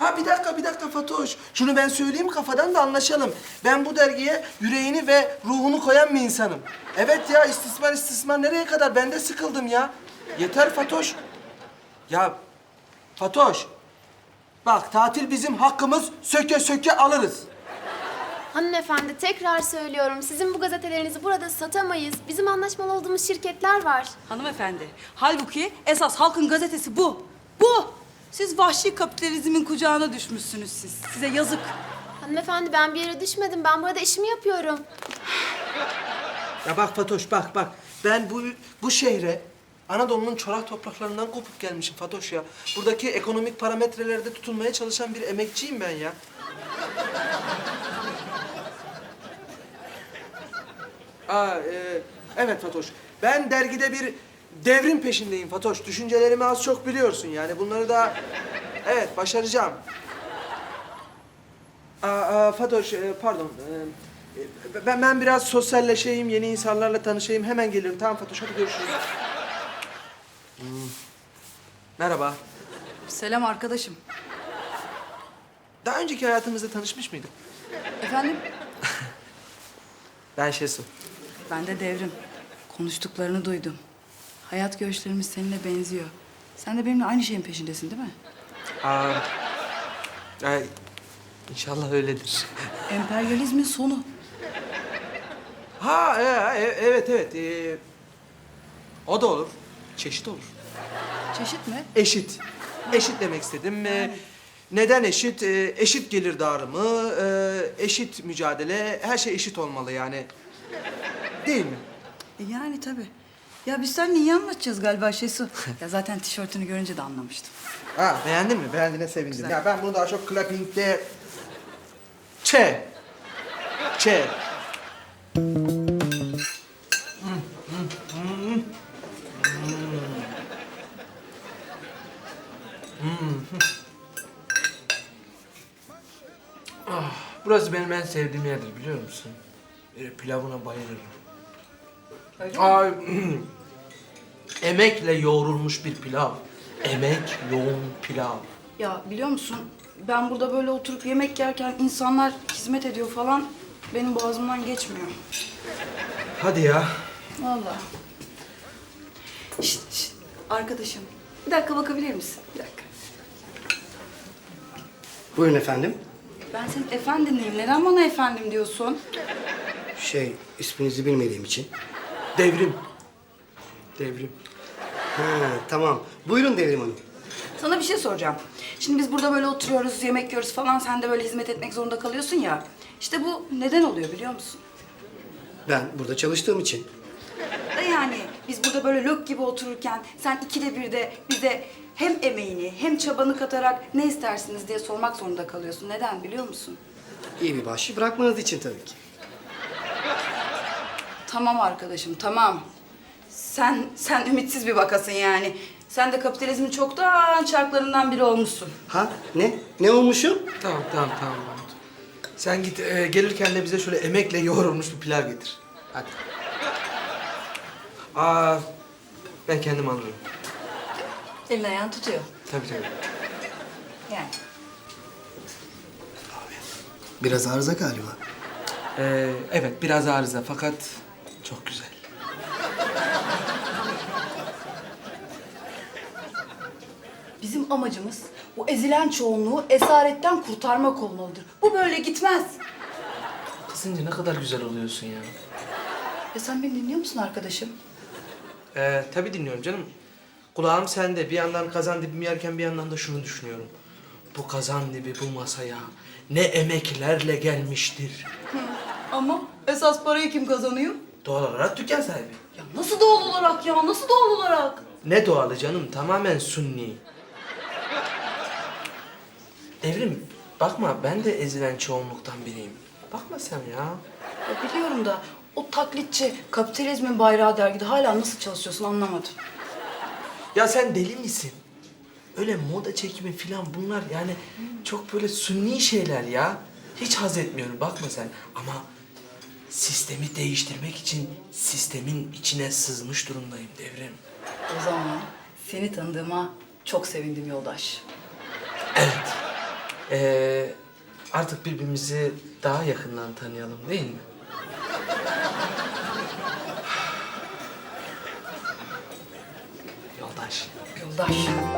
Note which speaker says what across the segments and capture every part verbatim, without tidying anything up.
Speaker 1: Ha bir dakika, bir dakika Fatoş. Şunu ben söyleyeyim kafadan da anlaşalım. Ben bu dergiye yüreğini ve ruhunu koyan bir insanım. Evet ya, istismar istismar nereye kadar? Ben de sıkıldım ya. Yeter Fatoş. Ya Fatoş. Bak tatil bizim hakkımız, söke söke alırız.
Speaker 2: Hanımefendi tekrar söylüyorum. Sizin bu gazetelerinizi burada satamayız. Bizim anlaşmalı olduğumuz şirketler var.
Speaker 3: Hanımefendi, halbuki esas halkın gazetesi bu. Bu! Siz vahşi kapitalizmin kucağına düşmüşsünüz siz. Size yazık.
Speaker 2: Hanımefendi ben bir yere düşmedim. Ben burada işimi yapıyorum.
Speaker 1: Ya bak Fatoş, bak bak. Ben bu bu şehre Anadolu'nun çorak topraklarından kopup gelmişim Fatoş ya. Buradaki ekonomik parametrelerde tutunmaya çalışan bir emekçiyim ben ya. Aa, e, evet Fatoş. Ben dergide bir devrim peşindeyim Fatoş. Düşüncelerimi az çok biliyorsun yani. Bunları da evet başaracağım. Aa, aa, Fatoş, e, pardon. E, ben, ben biraz sosyalleşeyim, yeni insanlarla tanışayım. Hemen gelirim. Tamam Fatoş, hadi görüşürüz. Hmm. Merhaba.
Speaker 3: Selam arkadaşım.
Speaker 1: Daha önceki hayatımızda tanışmış mıydık?
Speaker 3: Efendim?
Speaker 1: Ben Şesu.
Speaker 3: Ben de Devrim. Konuştuklarını duydum. Hayat görüşlerimiz seninle benziyor. Sen de benimle aynı şeyin peşindesin değil mi?
Speaker 1: Aa, ay, inşallah öyledir.
Speaker 3: Emperyalizmin sonu.
Speaker 1: Ha, e, e, evet, evet. E, o da olur. Çeşit olur.
Speaker 3: Çeşit mi?
Speaker 1: Eşit. Eşit demek istedim. E, neden eşit? E, eşit gelir dağılımı, e, eşit mücadele, her şey eşit olmalı yani. Değil mi?
Speaker 3: E yani tabii. Ya biz seninle iyi anlaşacağız galiba Şesu. Ya zaten tişörtünü görünce de anlamıştım.
Speaker 1: Ha, beğendin mi? Beğendiğine sevindim.
Speaker 3: Güzel.
Speaker 1: Ya ben bunu daha çok clapping'de... Ç. Ç. Ah, burası benim en sevdiğim yerdir biliyor musun? Böyle pilavına bayılırım. Ay, emekle yoğrulmuş bir pilav. Emek yoğun pilav.
Speaker 3: Ya biliyor musun? Ben burada böyle oturup yemek yerken insanlar hizmet ediyor falan. Benim boğazımdan geçmiyor.
Speaker 1: Hadi ya.
Speaker 3: Vallahi. Şişt, şişt. Arkadaşım. Bir dakika bakabilir misin? Bir dakika.
Speaker 4: Buyurun efendim.
Speaker 3: Ben senin efendinliyim. Neden bana efendim diyorsun?
Speaker 4: Şey, isminizi bilmediğim için.
Speaker 1: Devrim. Devrim.
Speaker 4: Ha, tamam. Buyurun Devrim Hanım.
Speaker 3: Sana bir şey soracağım. Şimdi biz burada böyle oturuyoruz, yemek yiyoruz falan. Sen de böyle hizmet etmek zorunda kalıyorsun ya. İşte bu neden oluyor biliyor musun?
Speaker 4: Ben burada çalıştığım için.
Speaker 3: Da yani biz burada böyle lök gibi otururken sen ikide bir de bize hem emeğini hem çabanı katarak ne istersiniz diye sormak zorunda kalıyorsun. Neden biliyor musun?
Speaker 4: İyi bir bahşiş bırakmanız için tabii ki.
Speaker 3: Tamam arkadaşım, tamam. Sen sen ümitsiz bir vakasın yani. Sen de kapitalizmin çoktan çarklarından biri olmuşsun.
Speaker 4: Ha? Ne? Ne olmuşum?
Speaker 1: Tamam, tamam, tamam. Mahmut. Sen git, e, gelirken de bize şöyle emekle yoğrulmuş bir pilav getir. Hadi. Aa, ben kendim alırım.
Speaker 3: Elin ayağını tutuyor.
Speaker 1: Tabii tabii.
Speaker 3: Yani.
Speaker 4: Biraz arıza galiba.
Speaker 1: Ee, evet, biraz arıza fakat çok güzel.
Speaker 3: Bizim amacımız bu ezilen çoğunluğu esaretten kurtarmak olmalıdır. Bu böyle gitmez.
Speaker 1: Kızınca ne kadar güzel oluyorsun ya.
Speaker 3: Ya sen beni dinliyor musun arkadaşım?
Speaker 1: Ee, tabii dinliyorum canım. Kulağım sende. Bir yandan kazan dibimi yerken bir yandan da şunu düşünüyorum. Bu kazan dibi bu masaya ne emeklerle gelmiştir.
Speaker 3: Ama esas parayı kim kazanıyor?
Speaker 1: Doğal olarak dükkan sahibi.
Speaker 3: Ya nasıl doğal olarak ya? Nasıl doğal olarak?
Speaker 1: Ne doğalı canım? Tamamen sunni. Devrim, bakma ben de ezilen çoğunluktan biriyim. Bakma sen ya.
Speaker 3: Ya biliyorum da o taklitçi kapitalizmin bayrağı dergide hala nasıl çalışıyorsun anlamadım.
Speaker 1: Ya sen deli misin? Öyle moda çekimi falan bunlar yani çok böyle sunni şeyler ya. Hiç haz etmiyorum bakma sen. Ama sistemi değiştirmek için sistemin içine sızmış durumdayım Devrim.
Speaker 3: O zaman seni tanıdığıma çok sevindim yoldaş.
Speaker 1: Evet. Ee, artık birbirimizi daha yakından tanıyalım değil mi? Yoldaş.
Speaker 3: Yoldaş.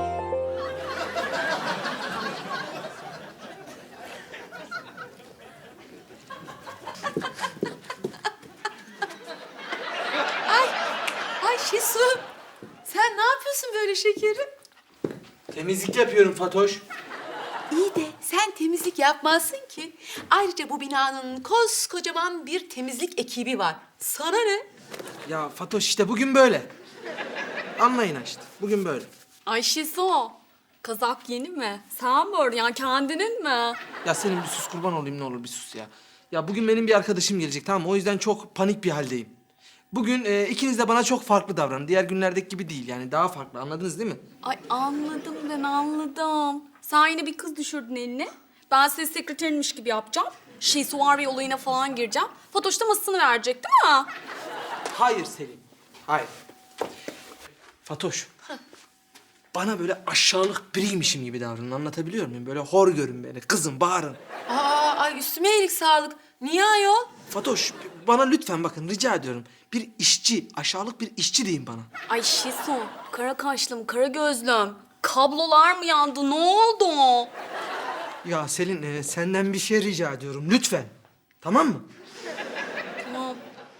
Speaker 5: Ay Şesu, sen ne yapıyorsun böyle şekerim?
Speaker 1: Temizlik yapıyorum Fatoş.
Speaker 5: İyi de sen temizlik yapmazsın ki. Ayrıca bu binanın koskocaman bir temizlik ekibi var. Sana ne?
Speaker 1: Ya Fatoş işte bugün böyle. Anlayın işte. Bugün böyle.
Speaker 6: Ay Şiso, kazak yeni mi? Sen mi ördün ya, kendinin mi?
Speaker 1: Ya senin bir sus kurban olayım ne olur bir sus ya. Ya bugün benim bir arkadaşım gelecek tamam mı? O yüzden çok panik bir haldeyim. Bugün e, ikiniz de bana çok farklı davranın. Diğer günlerdeki gibi değil yani daha farklı anladınız değil mi?
Speaker 6: Ay anladım ben anladım. Sen yine bir kız düşürdün eline. Ben senin sekreterinmiş gibi yapacağım. Şiso var ve olayına falan gireceğim. Fatoş da masasını verecek değil mi?
Speaker 1: Hayır Selin. Hayır. Fatoş. Bana böyle aşağılık biriymişim gibi davranın anlatabiliyor muyum? Böyle hor görün beni, kızın, bağırın.
Speaker 5: Aa, ay üstüme iyilik sağlık. Niye ayol?
Speaker 1: Fatoş bana lütfen bakın rica ediyorum. Bir işçi, aşağılık bir işçi deyin bana.
Speaker 6: Ay Şiso, kara kaşlım, kara gözlüm. Kablolar mı yandı? Ne oldu?
Speaker 1: Ya Selin e, senden bir şey rica ediyorum lütfen. Tamam mı?
Speaker 6: Tamam.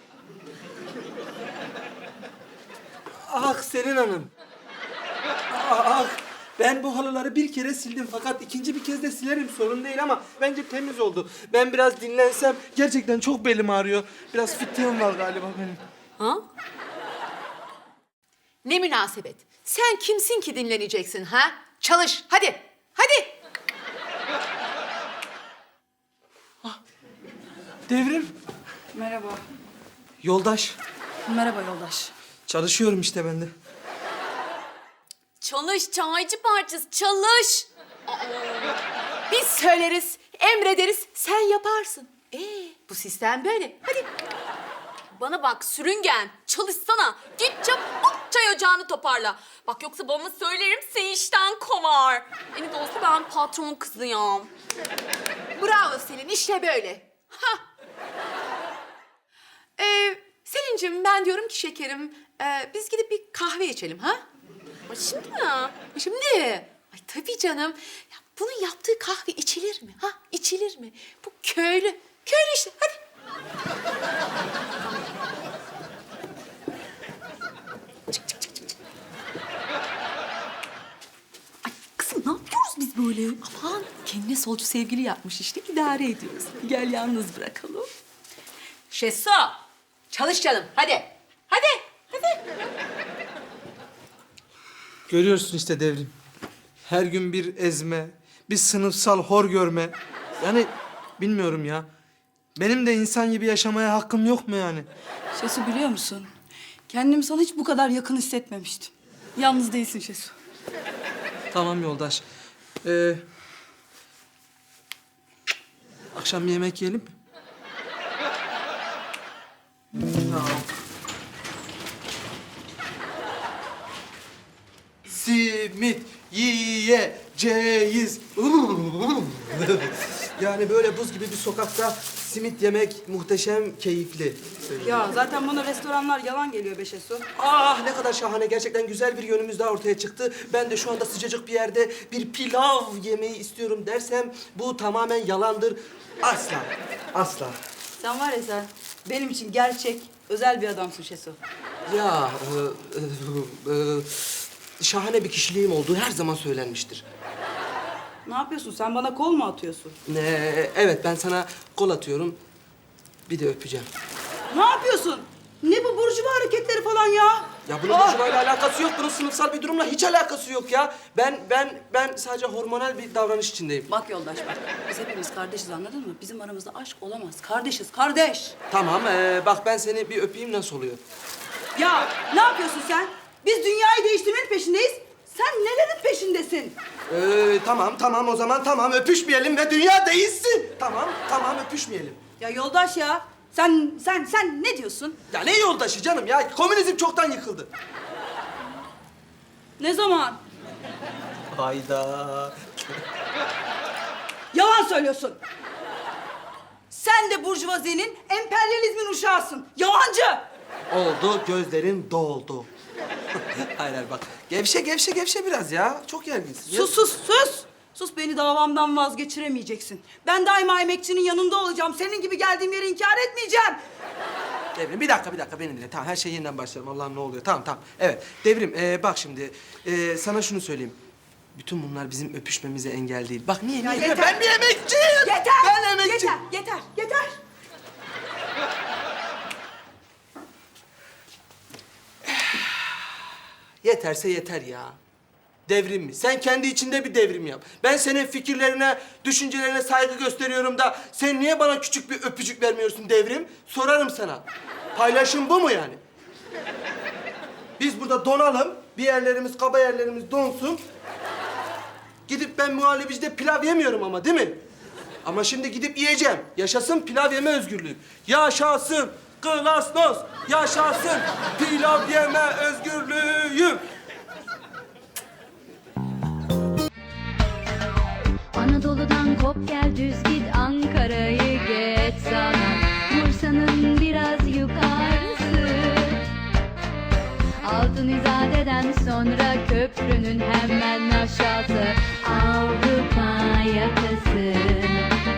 Speaker 1: Ah Selin Hanım. Ah, ben bu halıları bir kere sildim fakat ikinci bir kez de silerim sorun değil ama bence temiz oldu. Ben biraz dinlensem gerçekten çok belim ağrıyor. Biraz fıtığım var galiba benim.
Speaker 5: Ha? Ne münasebet. Sen kimsin ki dinleneceksin ha? Çalış hadi. Hadi.
Speaker 1: Devrim.
Speaker 3: Merhaba.
Speaker 1: Yoldaş.
Speaker 3: Merhaba yoldaş.
Speaker 1: Çalışıyorum işte ben de.
Speaker 6: Çalış çaycı parçası, çalış.
Speaker 5: Biz söyleriz, emrederiz, sen yaparsın. Ee, bu sistem böyle. Hadi.
Speaker 6: Bana bak sürüngen, çalışsana. Git çabuk çay ocağını toparla. Bak yoksa babama söylerim seni işten kovar. En de olsa ben patron kızıyım.
Speaker 5: Bravo Selin, işte böyle. Ha. Ee, Selin'cim ben diyorum ki şekerim, e, biz gidip bir kahve içelim ha?
Speaker 6: Ay şimdi mi?
Speaker 5: Şimdi. Ay tabii canım. Ya bunun yaptığı kahve içilir mi? Ha? İçilir mi? Bu köylü. Köylü işte. Hadi.
Speaker 7: Ay kızım ne yapıyoruz biz böyle? Aman kendine solcu sevgili yapmış işte idare ediyoruz. Gel yalnız bırakalım.
Speaker 5: Şesu. Çalış canım. Hadi. Hadi. Hadi.
Speaker 1: Görüyorsun işte Devrim. Her gün bir ezme, bir sınıfsal hor görme. Yani bilmiyorum ya. Benim de insan gibi yaşamaya hakkım yok mu yani?
Speaker 3: Şesu biliyor musun? Kendimi sana hiç bu kadar yakın hissetmemiştim. Yalnız değilsin Şesu.
Speaker 1: Tamam yoldaş. Ee, akşam bir yemek yiyelim mi? Tamam. Simit yiyeceğiz. Yani böyle buz gibi bir sokakta simit yemek muhteşem keyifli.
Speaker 3: Ya zaten bana restoranlar yalan geliyor be Şesu.
Speaker 1: Ah ne kadar şahane. Gerçekten güzel bir yönümüz daha ortaya çıktı. Ben de şu anda sıcacık bir yerde bir pilav yemeyi istiyorum dersem bu tamamen yalandır. Asla. Asla.
Speaker 3: Sen var ya sen benim için gerçek, özel bir adamsın Şesu.
Speaker 1: Ya e, e, e, şahane bir kişiliğim olduğu her zaman söylenmiştir.
Speaker 3: Ne yapıyorsun? Sen bana kol mu atıyorsun?
Speaker 1: Ne, evet ben sana kol atıyorum. Bir de öpeceğim.
Speaker 3: Ne yapıyorsun? Ne bu burjuva hareketleri falan ya?
Speaker 1: Ya bunun
Speaker 3: Ah!
Speaker 1: burjuvayla alakası yok. Bunun sınıfsal bir durumla hiç alakası yok ya. Ben ben ben sadece hormonal bir davranış içindeyim.
Speaker 3: Bak yoldaş bak. Biz hepimiz kardeşiz anladın mı? Bizim aramızda aşk olamaz. Kardeşiz, kardeş.
Speaker 1: Tamam ee, bak ben seni bir öpeyim nasıl oluyor?
Speaker 3: Ya ne yapıyorsun sen? Biz dünyayı değiştirmenin peşindeyiz. Sen nelerin peşindesin?
Speaker 1: Ee, tamam tamam o zaman tamam öpüşmeyelim ve dünya değişsin. Tamam tamam öpüşmeyelim.
Speaker 3: Ya yoldaş ya. Sen sen sen ne diyorsun?
Speaker 1: Ya ne yoldaşı canım ya? Komünizm çoktan yıkıldı.
Speaker 3: Ne zaman?
Speaker 1: Hayda.
Speaker 3: Yalan söylüyorsun. Sen de burjuvazinin, emperyalizmin uşağısın. Yalancı.
Speaker 1: Oldu, gözlerin doldu. hayır hayır bak. Gevşe gevşe gevşe biraz ya. Çok gerginsin.
Speaker 3: Sus sus sus. Sus, beni davamdan vazgeçiremeyeceksin. Ben daima emekçinin yanında olacağım. Senin gibi geldiğim yeri inkar etmeyeceğim.
Speaker 1: Devrim bir dakika bir dakika beni dinle. Tamam her şey yeniden başlayalım. Allah'ım ne oluyor? Tamam tamam. Evet Devrim e, bak şimdi e, sana şunu söyleyeyim. Bütün bunlar bizim öpüşmemize engel değil. Bak niye?
Speaker 3: Ya
Speaker 1: niye?
Speaker 3: yeter.
Speaker 1: Ben bir emekçiyim.
Speaker 3: Yeter.
Speaker 1: Ben emekçiyim.
Speaker 3: Yeter, yeter, yeter.
Speaker 1: Yeterse yeter ya. Devrim mi? Sen kendi içinde bir devrim yap. Ben senin fikirlerine, düşüncelerine saygı gösteriyorum da sen niye bana küçük bir öpücük vermiyorsun Devrim? Sorarım sana. Paylaşım bu mu yani? Biz burada donalım, bir yerlerimiz, kaba yerlerimiz donsun. Gidip ben muhallebicide pilav yemiyorum ama değil mi? Ama şimdi gidip yiyeceğim. Yaşasın pilav yeme özgürlüğü. Yaşasın Glasnost. Yaşasın pilav yeme özgürlüğü.
Speaker 8: Anadolu'dan kop gel düz git Ankara'yı geç sana Bursa'nın biraz yukarısı Altın İzade'den sonra köprünün hemen aşağısı Avrupa yakası